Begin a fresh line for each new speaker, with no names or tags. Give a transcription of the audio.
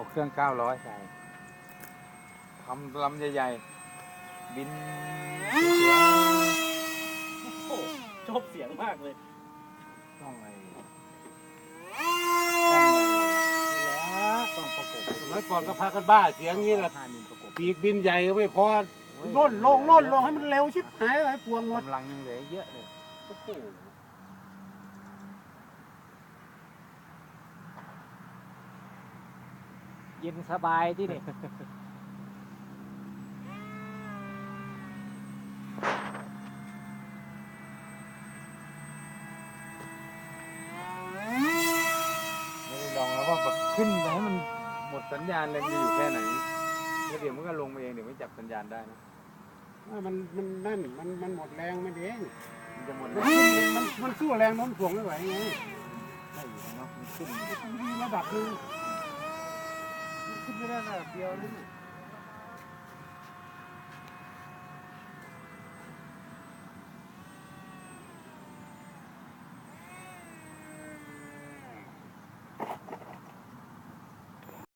เครื่อง900ใส่ทำลำใหญ่ๆบินสวย
โอ้ชอบเสียงมากเลย
ๆต้องอะไร
ต้องประกบ
สมัยก่อนก็พากันบ้าเสียงนี้แหละ
5 มิลประกบ
ปีกบินใหญ่ก็ไม่พอ
ล่นลงให้มันเร็วชิบหายเลยพวงหมด
กำลังยังเหลือเยอะเลย
โอ้โห
เย็นสบายที่นี่
ไม่ได้ลองแล้วว่าแบบขึ้นไปให้มันหมดสัญญาณเลยมันอยู่แค่ไหนแล้วเดี๋ยวมันก็ลงมาเองเดี๋ยวไม่จับสัญญาณได้นะ
มันหมดแรงมันเอง
มันจะหมด
มันสู้แรงโน้มถ่วงไม่ไหวไง
ได้อยู่เนาะมันขึ้น
มีระดับหนึงขึ้นไม่ได้ระดับเดียวนี่